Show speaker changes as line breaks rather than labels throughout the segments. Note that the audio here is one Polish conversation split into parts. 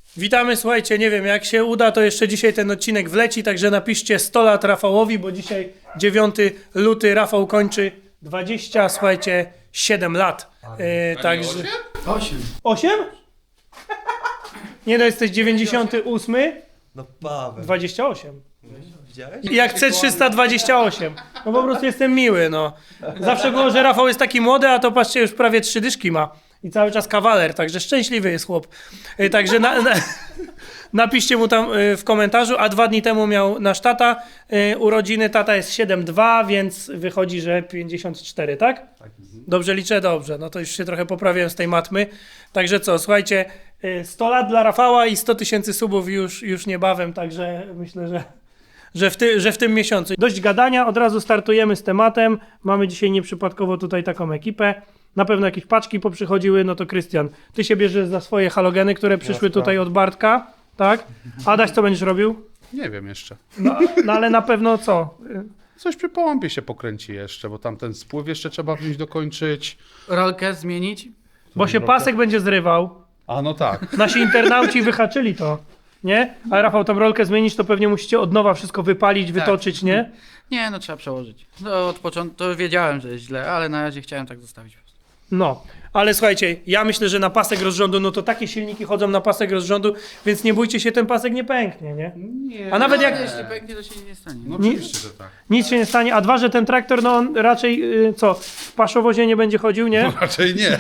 Witamy, słuchajcie, nie wiem, jak się uda, to jeszcze dzisiaj ten odcinek wleci, także napiszcie 100 lat Rafałowi, bo dzisiaj 9 luty, Rafał kończy 20, słuchajcie, 7 lat. Także...
8.
8? Nie no, jesteś 98,
No Paweł.
28.
Widziałeś?
Jak C328. No po prostu jestem miły, no. Zawsze było, że Rafał jest taki młody, a to patrzcie, już prawie 3 dyszki ma. I cały czas kawaler, także szczęśliwy jest chłop. Także napiszcie mu tam w komentarzu, a 2 dni temu miał nasz tata urodziny. Tata jest 7,2, więc wychodzi, że 54, tak?
Tak.
Dobrze liczę? Dobrze. No to już się trochę poprawiłem z tej matmy. Także co, słuchajcie, 100 lat dla Rafała i 100 000 subów już niebawem, także myślę, że w tym miesiącu. Dość gadania, od razu startujemy z tematem. Mamy dzisiaj nieprzypadkowo tutaj taką ekipę. Na pewno jakieś paczki poprzychodziły, no to Krystian, ty się bierzesz za swoje halogeny, które przyszły tutaj od Bartka, tak? Adaś, co będziesz robił?
Nie wiem jeszcze.
No ale na pewno co?
Coś przy połąpie się pokręci jeszcze, bo tam ten spływ jeszcze trzeba wziąć dokończyć.
Rolkę zmienić?
Bo się pasek będzie zrywał.
A no tak.
Nasi internauci wyhaczyli to, nie? A Rafał, tą rolkę zmienić, to pewnie musicie od nowa wszystko wypalić, wytoczyć, nie?
Nie, no trzeba przełożyć. No od początku to wiedziałem, że jest źle, ale na razie chciałem tak zostawić.
No, ale słuchajcie, ja myślę, że na pasek rozrządu, no to takie silniki chodzą na pasek rozrządu, więc nie bójcie się, ten pasek nie pęknie, nie?
Nie.
A nawet jak
Jeśli pęknie, to się nie stanie.
No oczywiście, że tak.
nic się nie stanie, a 2, że ten traktor, no on raczej, w paszowozie nie będzie chodził, nie?
No raczej nie.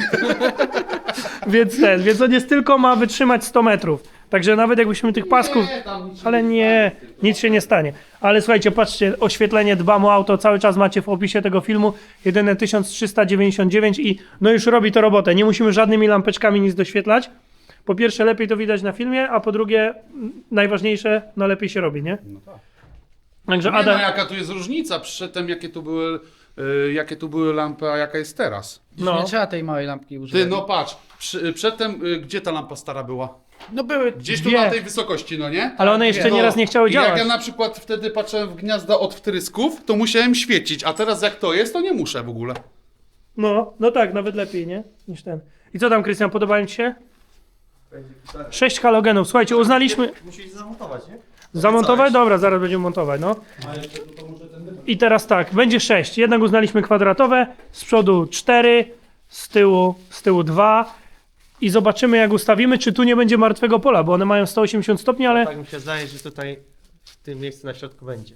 Więc on jest tylko ma wytrzymać 100 metrów. Także nawet jakbyśmy tych pasków... Ale nie, nic się nie stanie. Ale słuchajcie, patrzcie, oświetlenie dbam o auto, cały czas macie w opisie tego filmu. Jedyne 1399 i no już robi to robotę. Nie musimy żadnymi lampeczkami nic doświetlać. Po pierwsze, lepiej to widać na filmie, a po drugie, najważniejsze, no lepiej się robi, nie?
No tak.
Także
Nie ma
Adam...
jaka tu jest różnica przedtem, jakie tu były lampy, a jaka jest teraz.
No.
Nie trzeba tej małej lampki używać.
Ty, no patrz, przedtem gdzie ta lampa stara była?
No były
Gdzieś tu
dwie,
na tej wysokości, no nie?
ale one jeszcze
No,
nieraz nie chciały
i
działać.
jak ja na przykład wtedy patrzyłem w gniazda od wtrysków, to musiałem świecić, a teraz jak to jest, to nie muszę w ogóle.
No tak, nawet lepiej, nie? Niż ten. I co tam, Krystian, podobają ci się? 6 halogenów. Słuchajcie, uznaliśmy...
Musisz zamontować, nie?
Zamontować? Dobra, zaraz będziemy montować, no. I teraz tak, będzie 6. Jednak uznaliśmy kwadratowe, z przodu 4, z tyłu 2. I zobaczymy, jak ustawimy, czy tu nie będzie martwego pola, bo one mają 180 stopni, ale
Tak mi się zdaje, że tutaj w tym miejscu na środku będzie.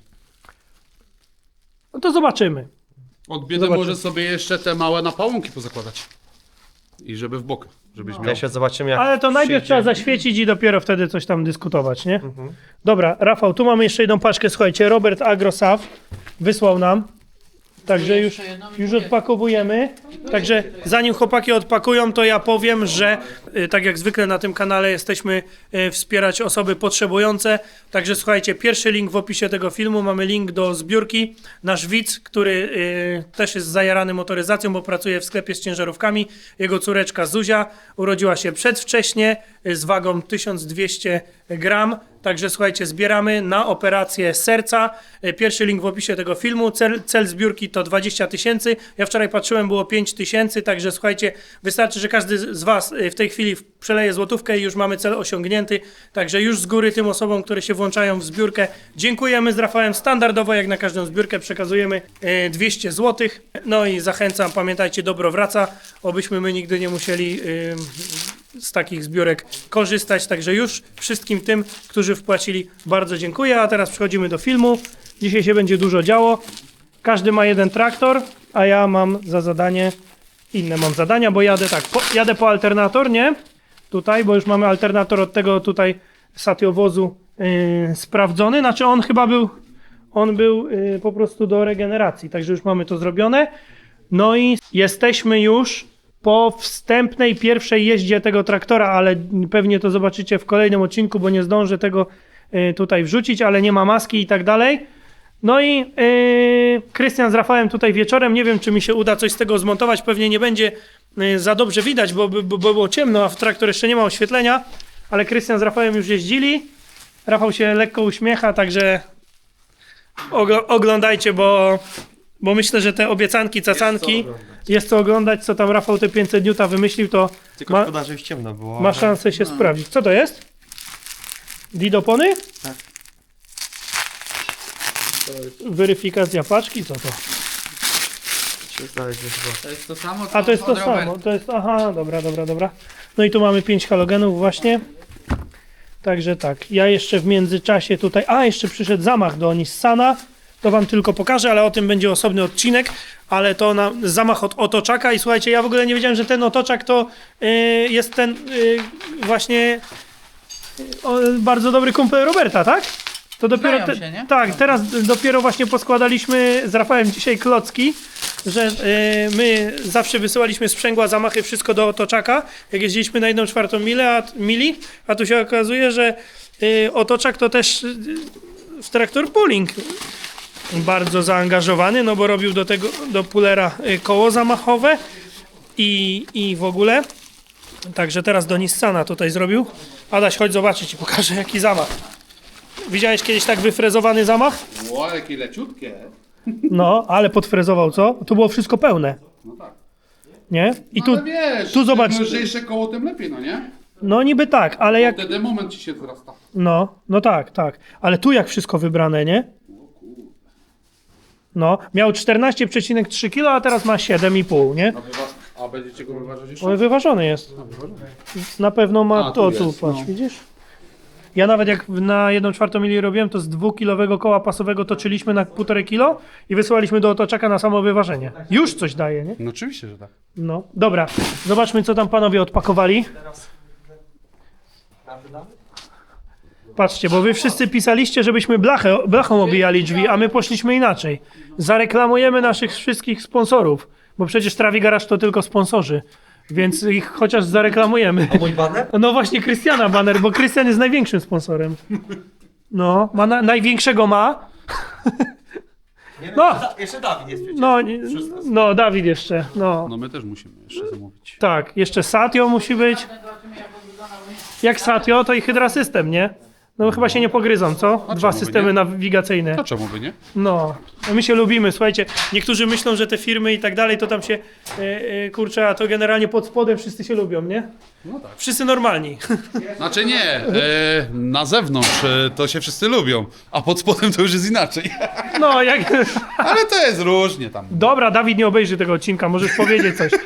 no to zobaczymy.
Od biedy
Zobaczymy.
może sobie jeszcze te małe napałąki pozakładać. I żeby w bok, żebyś miał.
Jeszcze zobaczymy jak
Ale to najpierw
przyjdzie.
trzeba zaświecić i dopiero wtedy coś tam dyskutować, nie?
Mhm.
Dobra, Rafał, tu mamy jeszcze jedną paczkę, słuchajcie, Robert Agrosav wysłał nam. Także już odpakowujemy. Także zanim chłopaki odpakują, to ja powiem, że tak jak zwykle na tym kanale jesteśmy wspierać osoby potrzebujące. Także słuchajcie, pierwszy link w opisie tego filmu, mamy link do zbiórki. Nasz widz, który też jest zajarany motoryzacją, bo pracuje w sklepie z ciężarówkami. Jego córeczka Zuzia urodziła się przedwcześnie z wagą 1200 gram. Także słuchajcie, zbieramy na operację serca. Pierwszy link w opisie tego filmu. Cel zbiórki to 20 000. Ja wczoraj patrzyłem, było 5 000. Także słuchajcie, wystarczy, że każdy z Was w tej chwili przeleje złotówkę i już mamy cel osiągnięty. Także już z góry tym osobom, które się włączają w zbiórkę, dziękujemy. Z Rafałem standardowo, jak na każdą zbiórkę, przekazujemy 200 zł. No i zachęcam, pamiętajcie, dobro wraca. Obyśmy my nigdy nie musieli z takich zbiórek korzystać. Także już wszystkim tym, którzy wpłacili, bardzo dziękuję. A teraz przechodzimy do filmu. Dzisiaj się będzie dużo działo. Każdy ma jeden traktor, a ja mam za zadanie, inne mam zadania, bo jadę tak, jadę po alternator, nie? Tutaj, bo już mamy alternator od tego tutaj satiowozu sprawdzony. Znaczy on był po prostu do regeneracji, także już mamy to zrobione. No i jesteśmy już po wstępnej pierwszej jeździe tego traktora, ale pewnie to zobaczycie w kolejnym odcinku, bo nie zdążę tego tutaj wrzucić, ale nie ma maski i tak dalej. No i Krystian z Rafałem tutaj wieczorem, nie wiem, czy mi się uda coś z tego zmontować, pewnie nie będzie za dobrze widać, bo było ciemno, a w traktor jeszcze nie ma oświetlenia, ale Krystian z Rafałem już jeździli. Rafał się lekko uśmiecha, także oglądajcie, bo myślę, że te obiecanki, cacanki, jest co oglądać, co tam Rafał te 500 N wymyślił, to
Tylko szkoda, że już ciemno było.
ma szansę się sprawdzić. Co to jest? Didopony?
Tak.
Weryfikacja paczki, co to?
Się znaleźć chyba.
To jest to samo, co
A to jest to
od Roberta.
samo, to jest, aha, dobra. No i tu mamy 5 halogenów właśnie. Także tak, ja jeszcze w międzyczasie tutaj, jeszcze przyszedł zamach do Nissana, to wam tylko pokażę, ale o tym będzie osobny odcinek, ale to zamach od otoczaka i słuchajcie, ja w ogóle nie wiedziałem, że ten otoczak to jest ten właśnie bardzo dobry kumpel Roberta, tak? To dopiero
Znają się, nie?
tak, teraz dopiero właśnie poskładaliśmy z Rafałem dzisiaj klocki, że my zawsze wysyłaliśmy sprzęgła, zamachy, wszystko do otoczaka, jak jeździliśmy na 1/4 mili, a tu się okazuje, że otoczak to też w traktor pulling bardzo zaangażowany, no bo robił do tego, do pulera koło zamachowe i w ogóle. Także teraz do Nissana tutaj zrobił. Adaś, chodź zobaczyć i pokażę jaki zamach. Widziałeś kiedyś tak wyfrezowany zamach?
Ło, jakie leciutkie.
No, ale podfrezował, co? To było wszystko pełne,
No tak.
nie? I
No
tu,
ale wiesz,
tu zobacz.
im lżejsze koło, tym lepiej, no nie?
no niby tak, ale jak,
Wtedy moment ci się wzrasta.
no tak, ale tu jak wszystko wybrane, nie? No, miał 14,3 kg, a teraz ma 7,5, nie?
A będziecie go wyważać jeszcze?
On wyważony jest. Na pewno ma
A,
to,
tu
tu
jest,
patrz,
no.
widzisz? Ja nawet jak na 1/4 mili robiłem, to z 2-kilowego koła pasowego toczyliśmy na 1,5 kg i wysyłaliśmy do otoczaka na samo wyważenie. Już coś daje, nie?
No oczywiście, że tak.
No, dobra. Zobaczmy, co tam panowie odpakowali. Patrzcie, bo wy wszyscy pisaliście, żebyśmy blachą obijali drzwi, a my poszliśmy inaczej. Zareklamujemy naszych wszystkich sponsorów, bo przecież Trawi Garage to tylko sponsorzy, więc ich chociaż zareklamujemy.
A mój baner?
No właśnie Krystiana Banner, bo Krystian jest największym sponsorem. No, największego ma.
Nie wiem,
No.
Jeszcze Dawid jest przecież.
No, Dawid jeszcze, no.
No my też musimy jeszcze zamówić.
Tak, jeszcze Satio musi być. Jak Satio, to i Hydra System, nie? No chyba się nie pogryzą, co?
A
Dwa
czemu by
systemy
nie?
nawigacyjne.
No czemu by nie?
No, my się lubimy, słuchajcie. Niektórzy myślą, że te firmy i tak dalej, to tam się, kurczę, a to generalnie pod spodem wszyscy się lubią, nie?
No tak.
Wszyscy normalni.
Znaczy nie, na zewnątrz to się wszyscy lubią, a pod spodem to już jest inaczej.
No, jak...
Ale to jest różnie tam.
Dobra, Dawid nie obejrzy tego odcinka, możesz powiedzieć coś.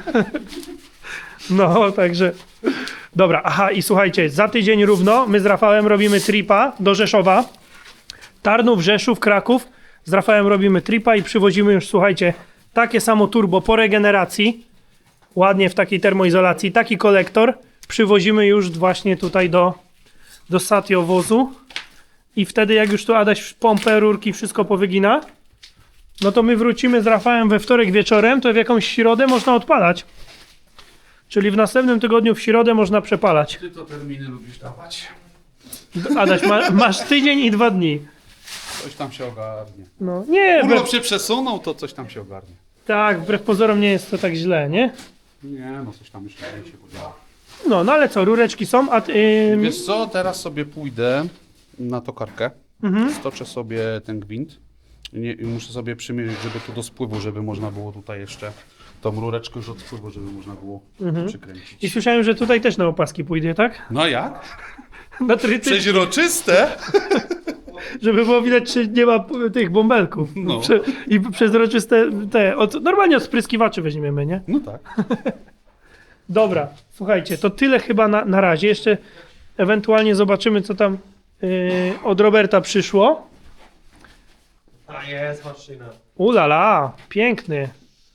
No, także... Dobra, aha, i słuchajcie, za tydzień równo my z Rafałem robimy tripa do Rzeszowa. Tarnów, Rzeszów, Kraków. Z Rafałem robimy tripa i przywozimy już, słuchajcie, takie samo turbo po regeneracji. Ładnie w takiej termoizolacji, taki kolektor. Przywozimy już właśnie tutaj do Satio wozu. I wtedy jak już tu Adaś pompę, rurki, wszystko powygina, no to my wrócimy z Rafałem we wtorek wieczorem, to w jakąś środę można odpalać. Czyli w następnym tygodniu w środę można przepalać.
Ty to terminy lubisz dawać.
Adaś, masz tydzień i 2 dni.
Coś tam się ogarnie.
No, nie,
Urlop się przesunął, to coś tam się ogarnie.
tak, wbrew pozorom nie jest to tak źle, nie?
Nie, no coś tam jeszcze się podziała.
No ale co, rureczki są, a
Wiesz co, teraz sobie pójdę na tokarkę, stoczę sobie ten gwint i muszę sobie przymierzyć, żeby tu do spływu, żeby można było tutaj jeszcze tą rureczkę już od spływu, żeby można było przykręcić.
i słyszałem, że tutaj też na opaski pójdzie, tak?
No a jak?
Na tryty,
Przeźroczyste?
żeby było widać, czy nie ma tych bąbelków.
No.
I przezroczyste normalnie od spryskiwaczy weźmiemy, nie?
No tak.
Dobra, słuchajcie, to tyle chyba na razie. Jeszcze ewentualnie zobaczymy, co tam od Roberta przyszło.
A jest maszyna.
Ulala, piękny.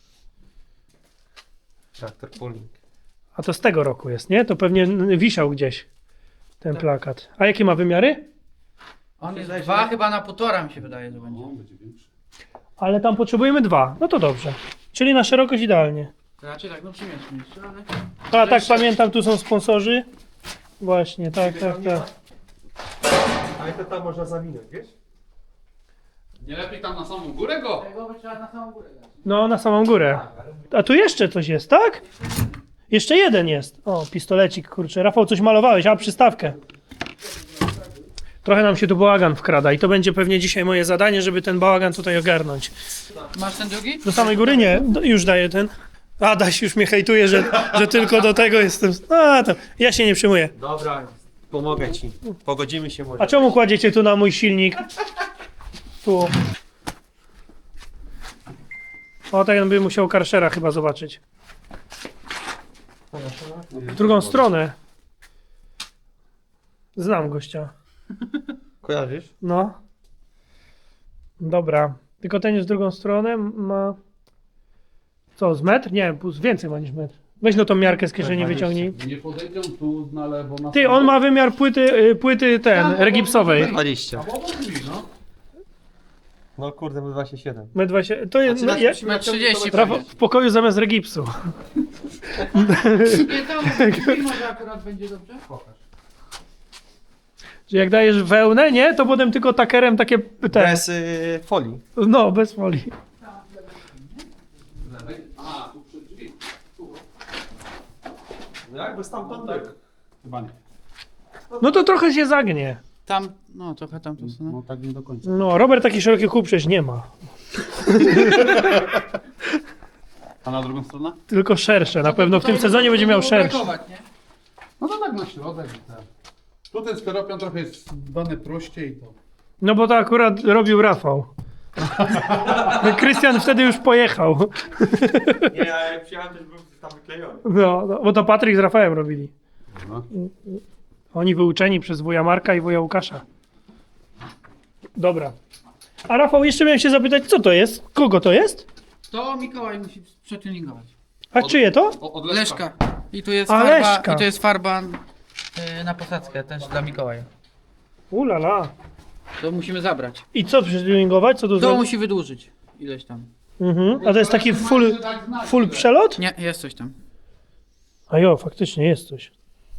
Traktor pulling.
A to z tego roku jest, nie? To pewnie wisiał gdzieś ten plakat. A jakie ma wymiary?
On jest 2 chyba na 1,5 mi się wydaje, że będzie.
No, będzie większy.
Ale tam potrzebujemy 2. No to dobrze. Czyli na szerokość idealnie.
Raczej tak, no przymieszmy jeszcze, ale...
A tak pamiętam, tu są sponsorzy. Właśnie, tak.
Ale to tam można zawinąć, wiesz?
Nie lepiej tam na samą górę go?
Tego by trzeba na samą górę dać.
No, na samą górę. A tu jeszcze coś jest, tak? Jeszcze jeden jest. O, pistolecik, kurczę. Rafał, coś malowałeś, a przystawkę. Trochę nam się tu bałagan wkrada i to będzie pewnie dzisiaj moje zadanie, żeby ten bałagan tutaj ogarnąć.
Masz ten drugi?
Do samej góry nie, już daję ten. Adaś już mnie hejtuje, że tylko do tego jestem. A, to ja się nie przejmuję.
Dobra. Pomogę ci. Pogodzimy się może.
A czemu kładziecie tu na mój silnik? Tu. O, tak bym musiał Karszera chyba zobaczyć. W drugą stronę. Znam gościa.
Kojarzysz?
No. Dobra. Tylko ten jest w drugą stronę ma... Co, z metr? Nie, więcej ma niż metr. Weź no tą miarkę z kieszeni wyciągnij.
Nie podejdą tu na lewo na
Ty, on ma wymiar płyty regipsowej.
20.
A bo drzwi, no.
No kurde, my 27.
Metr 20. To jest... No, ja,
Ma 30
Rafał, w pokoju zamiast regipsu.
Nie, to może akurat będzie dobrze?
Że jak dajesz wełnę, nie? To potem tylko takerem takie...
Bez folii.
No, bez folii.
A, tu przy drzwi.
No jakby stamtąd tak.
Chyba nie.
No to trochę się zagnie.
Tam, no trochę tam to są.
No tak nie do końca.
No, Robert taki szeroki kół przecież nie ma.
A na drugą stronę?
Tylko szersze. Na pewno w tym sezonie będzie miał szersze.
No to tak na środek. I tak. Tu ten steropian trochę jest dany prościej. To...
No bo to akurat robił Rafał. Krystian wtedy już pojechał.
Nie, ja jak przyjechałem też był tam wyklejony.
No, bo to Patryk z Rafałem robili.
No.
Oni wyuczeni przez wuja Marka i wuja Łukasza. Dobra. A Rafał, jeszcze miałem się zapytać, co to jest? Kogo to jest?
To Mikołaj musi przetuningować.
A czyje to?
Od
Leszka. I tu jest
A,
farba,
Leszka.
i tu jest farba na posadzkę też dla Mikołaja.
Ulala.
To musimy zabrać.
I co przetuningować? Co tu
To
zrobić?
musi wydłużyć ileś tam.
Mhm. A to jest taki full przelot?
Nie, jest coś tam.
A jo, faktycznie jest coś.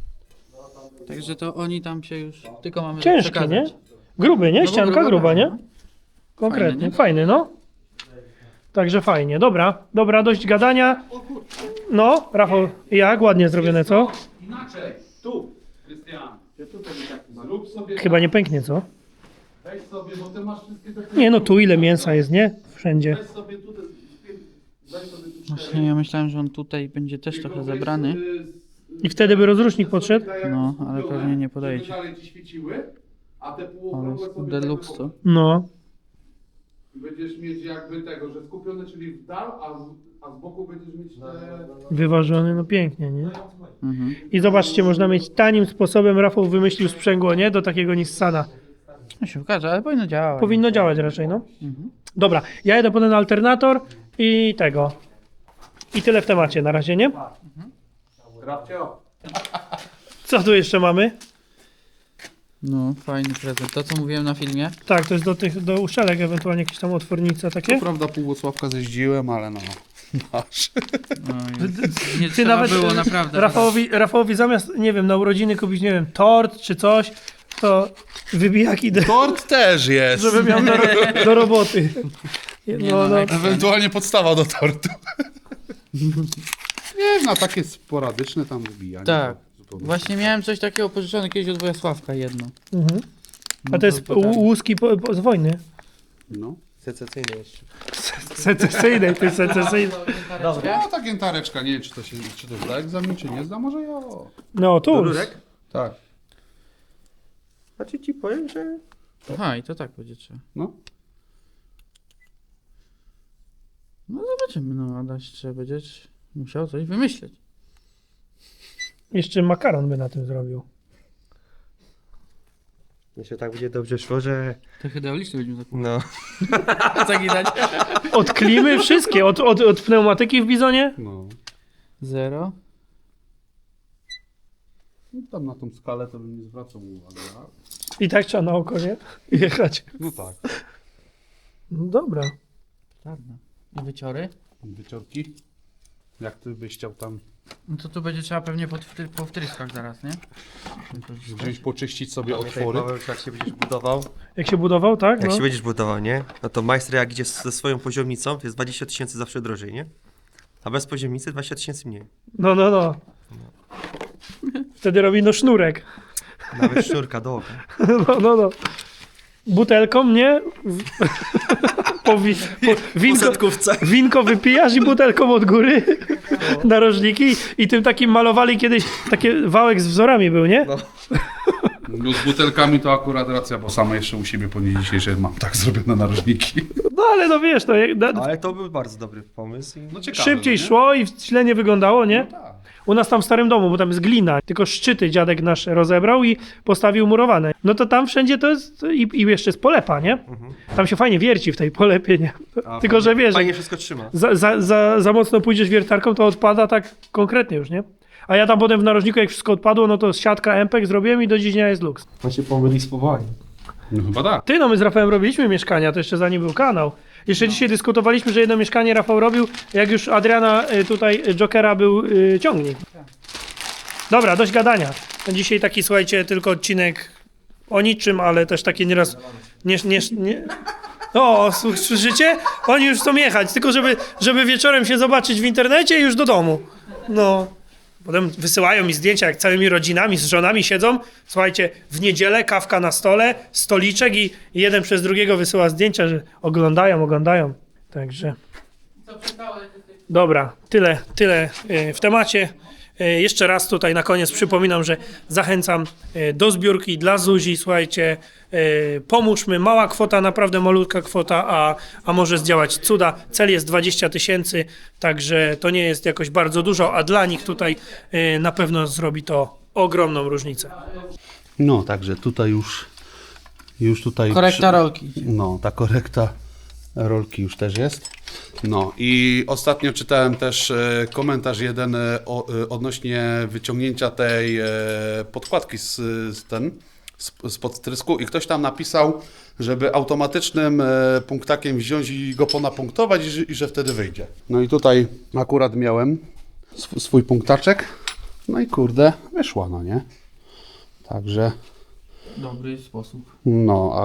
Także to oni tam się już tylko mamy
Ciężki,
przekazać.
nie? Gruby, nie?
No bo
Ścianka gruba, nie?
no.
Konkretnie,
Fajny,
fajny, no. Także fajnie. Dobra, dość gadania. No, Rafał, jak? Ładnie zrobione, co?
Inaczej. Tu. Krystian. Zrób sobie
Chyba nie pęknie, co?
Weź sobie, bo ty masz wszystkie te...
Nie, no tu ile mięsa jest, nie? Wszędzie.
Weź sobie tutaj... Daj sobie tu
Właśnie ja myślałem, że on tutaj będzie też trochę zebrany.
I wtedy by rozrusznik podszedł?
No, ale pewnie nie podejdzie.
Żeby dalej ci świeciły, a te
Ale
półokrągłe
jest
sobie tak
deluxe to.
No.
będziesz mieć jakby tego, że skupione, czyli w dal, a z boku będziesz mieć te...
Wyważony, no pięknie, nie?
Mhm.
I zobaczcie, można mieć tanim sposobem, Rafał wymyślił sprzęgło, nie? Do takiego Nissana.
No się okaże, ale powinno działać.
Powinno działać raczej, no.
Mhm.
Dobra, ja jedę potem na alternator i tego. I tyle w temacie na razie, nie?
Rafcio.
Co tu jeszcze mamy?
No, fajny prezent. To co mówiłem na filmie.
Tak, to jest do uszelek, ewentualnie jakieś tam otwornice takie.
prawda pół Włocławka zeździłem, ale no... Masz.
No, nie
Ty
trzeba
nawet
było naprawdę.
Rafałowi zamiast, nie wiem, na urodziny kupić, nie wiem, tort czy coś, to wybijaki,
Tort też jest.
żeby miał do roboty. No.
Ewentualnie podstawa do tortu. Nie, na takie sporadyczne tam wybijanie.
Tak.
to zupełnie.
Właśnie miałem coś takiego pożyczone kiedyś od Wojasławka jedno.
Mhm.
No
A to jest łuski z wojny.
No.
Secesyjny jeszcze.
Secesyjnej, to jest secesyjnej.
Dobra.
No ta giętareczka, nie wiem czy to zda egzamin, czy nie zda, może ja.
No, tu.
Rurek?
Tak.
Znaczy ci powiem, że...
Aha, i to tak będzie trzeba.
No.
No zobaczymy, no Adaś trzeba będziesz musiał coś wymyśleć.
Jeszcze makaron by na tym zrobił.
Jeszcze tak będzie dobrze szło, że...
To hydrauliczny będziemy zakładać.
No.
Zaginać.
Od klimy wszystkie, od pneumatyki w bizonie.
No.
0.
No tam na tą skalę to bym nie zwracał uwagi.
I tak trzeba na oko, nie? Jechać.
No tak.
No dobra.
Czarno. I wyciory?
Wyciorki. Jak ty byś chciał tam
No to tu będzie trzeba pewnie po wtryskach zaraz, nie?
gdzieś poczyścić sobie
Pamiętaj,
otwory.
Paweł, jak się będziesz budował,
Jak się budował, tak?
jak
No.
się będziesz budował, nie? No to majster jak idzie ze swoją poziomnicą, to jest 20 000 zawsze drożej, nie? A bez poziomnicy 20 000 mniej.
No. Wtedy robi no sznurek.
Nawet sznurka do oka.
No. Butelką, nie? Winko wypijasz i butelką od góry narożniki i tym takim malowali kiedyś, taki wałek z wzorami był, nie?
No.
No z butelkami to akurat racja, bo sama jeszcze u siebie po dniu dzisiejszej mam tak zrobione narożniki.
No ale no wiesz, to
Ale to był bardzo dobry pomysł.
No ciekawe,
szybciej
no nie?
szło i źle nie wyglądało, nie?
Tak.
U nas tam w starym domu, bo tam jest glina, tylko szczyty dziadek nasz rozebrał i postawił murowane. No to tam wszędzie to jest i jeszcze jest polepa, nie? Tam się fajnie wierci w tej polepie, nie? Tylko, że wiesz,
Fajnie wszystko trzyma.
za mocno pójdziesz wiertarką, to odpada tak konkretnie już, nie? A ja tam potem w narożniku, jak wszystko odpadło, no to siatka MPEG zrobiłem i do dziś dnia jest luks.
On się pomyli z powołaniem.
No chyba tak.
Ty, no my z Rafałem robiliśmy mieszkania, to jeszcze zanim był kanał. Jeszcze dzisiaj dyskutowaliśmy, że jedno mieszkanie Rafał robił, jak już Adriana tutaj Jokera był ciągnik. Dobra, dość gadania. Dzisiaj taki, słuchajcie, tylko odcinek o niczym, ale też taki nieraz... Nie. O, słyszycie? Oni już chcą jechać, tylko żeby wieczorem się zobaczyć w internecie i już do domu. No... Potem wysyłają mi zdjęcia, jak całymi rodzinami, z żonami siedzą. Słuchajcie, w niedzielę kawka na stole, stoliczek i jeden przez drugiego wysyła zdjęcia, że oglądają. Także... Dobra, tyle w temacie. Jeszcze raz tutaj na koniec przypominam, że zachęcam do zbiórki dla Zuzi. Słuchajcie, pomóżmy. Mała kwota, naprawdę malutka kwota, a może zdziałać cuda. Cel jest 20 000, także to nie jest jakoś bardzo dużo, a dla nich tutaj na pewno zrobi to ogromną różnicę.
No, także tutaj już tutaj...
Korekta rolki.
No, ta korekta rolki już też jest. No i ostatnio czytałem też komentarz odnośnie wyciągnięcia tej podkładki spod trysku i ktoś tam napisał, żeby automatycznym punktakiem wziąć i go ponapunktować i że wtedy wyjdzie. No i tutaj akurat miałem swój punktaczek, no i kurde, wyszła, no nie? Także...
Dobry sposób.
No,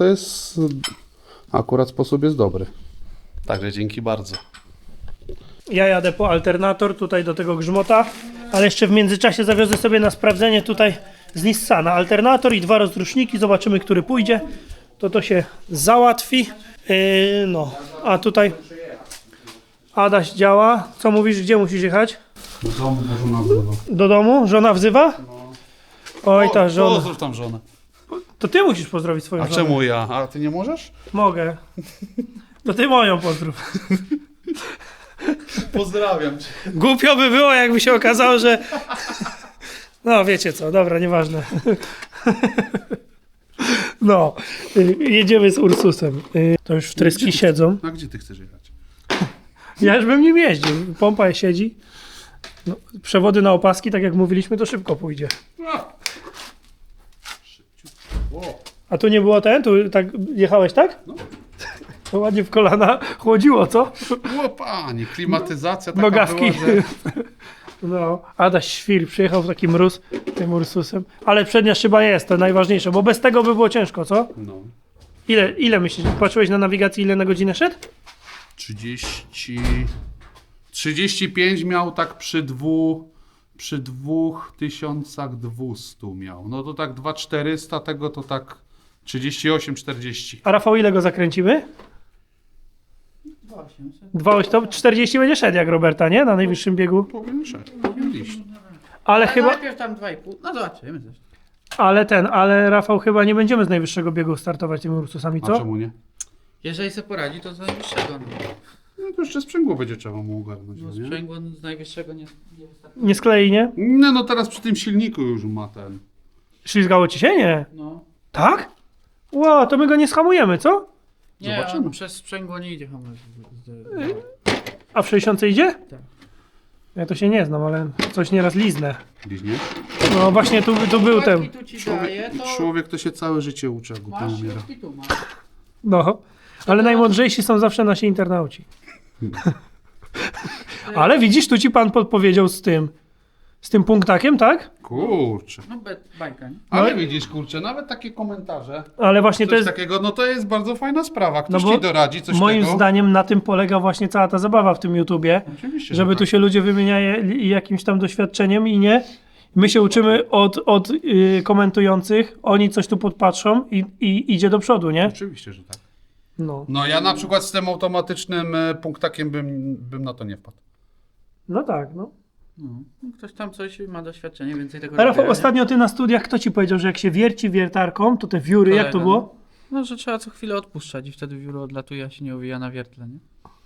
akurat sposób jest dobry. Także dzięki bardzo.
Ja jadę po alternator tutaj do tego grzmota, ale jeszcze w międzyczasie zawiozę sobie na sprawdzenie tutaj z Nissana alternator i 2 rozruszniki, zobaczymy, który pójdzie. To się załatwi. No, a tutaj Adaś działa. Co mówisz, gdzie musisz jechać?
Do domu, bo żona wzywa.
Do domu? Żona wzywa? Oj, ta żona.
Pozdrów tam żonę.
To ty musisz pozdrowić swoją
A
żonę.
czemu ja? A ty nie możesz?
Mogę. To ty moją pozdrów.
Pozdrawiam cię.
Głupio by było, jakby się okazało, że... No, wiecie co, dobra, nieważne. No, jedziemy z Ursusem. To już w tryski siedzą.
A gdzie ty chcesz jechać?
Ja już bym nim jeździł. Pompa siedzi. No, przewody na opaski, tak jak mówiliśmy, to szybko pójdzie. A tu nie było tu tak jechałeś, tak?
No.
To ładnie w kolana chłodziło, co?
O panie, klimatyzacja taka
Nogawki.
była, że...
No, Adaś Świr przyjechał w taki mróz tym Ursusem. Ale przednia szyba jest, to najważniejsze, bo bez tego by było ciężko, co?
No.
Ile myślisz? Patrzyłeś na nawigacji, ile na godzinę szedł?
35 miał tak przy 2200 miał. No to tak 2400, tego to tak 38-40.
A Rafał, ile go zakręcimy? 2,800. To 40 będzie szedł jak Roberta, nie? Na najwyższym biegu.
Powiem szedł.
Ale chyba,
Najpierw tam 2,5. No zobaczymy też.
ale Rafał, chyba nie będziemy z najwyższego biegu startować tymi Ursusami,
A
co?
czemu nie?
Jeżeli sobie poradzi, to z najwyższego.
No to jeszcze sprzęgło będzie trzeba mu ogarnąć,
No
nie?
sprzęgło z najwyższego nie wystarczy.
Nie sklei, nie?
No teraz przy tym silniku już ma ten.
Ślizgało ci się? Nie.
No.
Tak? Ło, to my go nie schamujemy, co?
Nie,
Zobaczymy.
on przez sprzęgło nie idzie hamulec.
A w 60 idzie?
Tak.
Ja to się nie znam, ale coś nieraz liznę.
Liźnie?
No właśnie tu był ten.
Tu ci daje, to
Człowiek to się całe życie uczy, jak głupio
masz
umiera.
i tu masz.
No. Ale najmądrzejsi są zawsze nasi internauci. Ale widzisz, tu ci pan podpowiedział z tym punktakiem, tak?
Kurczę.
No bajka, nie?
Ale widzisz, kurczę, nawet takie komentarze,
Ale właśnie
coś
to jest,
takiego, no to jest bardzo fajna sprawa. Ktoś
bo
ci doradzi coś
moim
tego.
zdaniem na tym polega właśnie cała ta zabawa w tym YouTubie,
Oczywiście,
żeby
że
tu
tak.
się ludzie wymieniali jakimś tam doświadczeniem i nie. My się uczymy od komentujących, oni coś tu podpatrzą i idzie do przodu, nie?
Oczywiście, że tak.
No.
No ja na przykład z tym automatycznym punktakiem bym na to nie wpadł.
No tak, no.
No, ktoś tam coś ma doświadczenie, więcej tego
A Rafał,
robienia, nie?
ostatnio ty na studiach, kto ci powiedział, że jak się wierci wiertarką, to te wióry, jak to
Kolega,
było?
No, że trzeba co chwilę odpuszczać i wtedy wióro odlatuje, a się nie owija na wiertle, nie?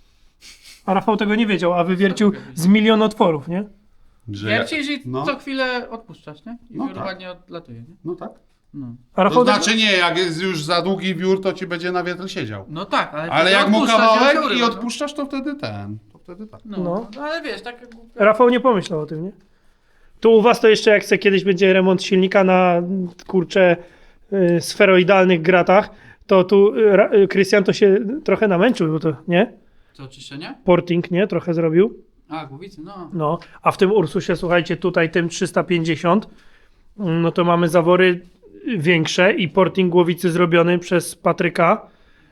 A Rafał tego nie wiedział, a wywiercił z milion otworów, nie?
Że
Wiercisz i
no.
co chwilę odpuszczasz, nie? I
No
wióro
tak.
ładnie odlatuje, nie?
No tak.
No.
A Rafał
To znaczy nie, jak jest już za długi wiór, to ci będzie na wietrze siedział.
No tak, ale
Ale
wtedy
jak mu
odpuszczasz
kawałek
wióry,
i
no.
odpuszczasz, to wtedy tak.
No, ale wiesz, tak...
Rafał nie pomyślał o tym, nie? Tu u was to jeszcze jak se kiedyś będzie remont silnika na, kurczę, sferoidalnych gratach, to tu Krystian to się trochę namęczył, bo to, nie?
Co, czyszczenie?
Porting, nie? Trochę zrobił.
A, głowicy, no.
No, a w tym Ursusie, słuchajcie, tutaj tym 350, no to mamy zawory większe i porting głowicy zrobiony przez Patryka,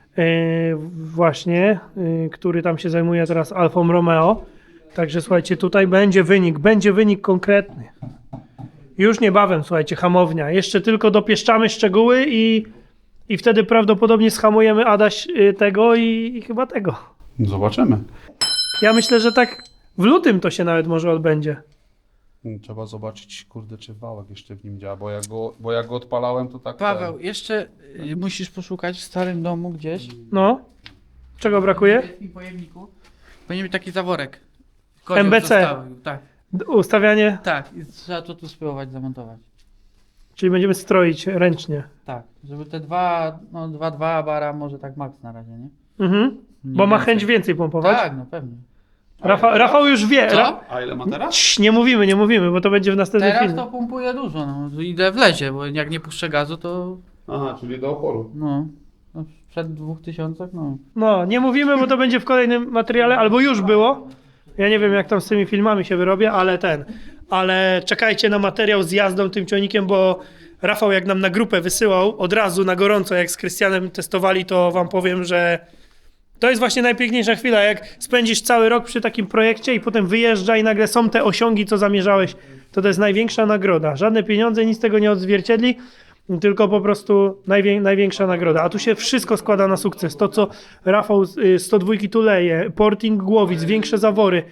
właśnie, który tam się zajmuje teraz Alfą Romeo. Także słuchajcie, tutaj będzie wynik konkretny. Już niebawem, słuchajcie, hamownia. Jeszcze tylko dopieszczamy szczegóły i wtedy prawdopodobnie schamujemy Adaś tego i chyba tego.
Zobaczymy.
Ja myślę, że tak w lutym to się nawet może odbędzie.
Trzeba zobaczyć, kurde, czy wałek jeszcze w nim działa, bo jak go odpalałem, to tak...
Paweł, jeszcze musisz poszukać w starym domu gdzieś.
No, czego brakuje?
W wielkim pojemniku. Powinien być taki zaworek. Kozioł
MBC.
zostawił, tak,
Ustawianie,
tak. I trzeba to tu spróbować zamontować.
czyli będziemy stroić ręcznie.
Tak, żeby te 2,2 bara może tak max na razie, nie?
Mhm.
Nie
Bo ma
więcej.
chęć więcej pompować.
Tak, no pewnie.
Rafał już wie.
Co?
A ile ma teraz?
Cii, nie mówimy, bo to będzie w następnym
Teraz
filmie.
to pompuje dużo, no. Idę w lezie, bo jak nie puszczę gazu, to
Aha, czyli do oporu.
no przed 2000, no.
No, nie mówimy, bo to będzie w kolejnym materiale, albo już było. Ja nie wiem, jak tam z tymi filmami się wyrobię, ale czekajcie na materiał z jazdą tym ciągnikiem, bo Rafał jak nam na grupę wysyłał od razu na gorąco, jak z Krystianem testowali, to wam powiem, że to jest właśnie najpiękniejsza chwila, jak spędzisz cały rok przy takim projekcie i potem wyjeżdża i nagle są te osiągi, co zamierzałeś, to jest największa nagroda. Żadne pieniądze nic tego nie odzwierciedli, tylko po prostu największa nagroda. A tu się wszystko składa na sukces. To, co Rafał 102 tuleje, porting głowic, większe zawory,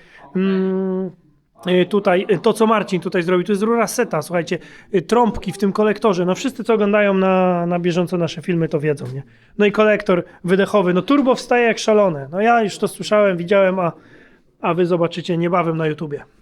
tutaj, to co Marcin tutaj zrobił, to jest rura seta, słuchajcie, trąbki w tym kolektorze, no wszyscy co oglądają na bieżąco nasze filmy to wiedzą, nie? No i kolektor wydechowy, no turbo wstaje jak szalone, no ja już to słyszałem, widziałem, a wy zobaczycie niebawem na YouTubie.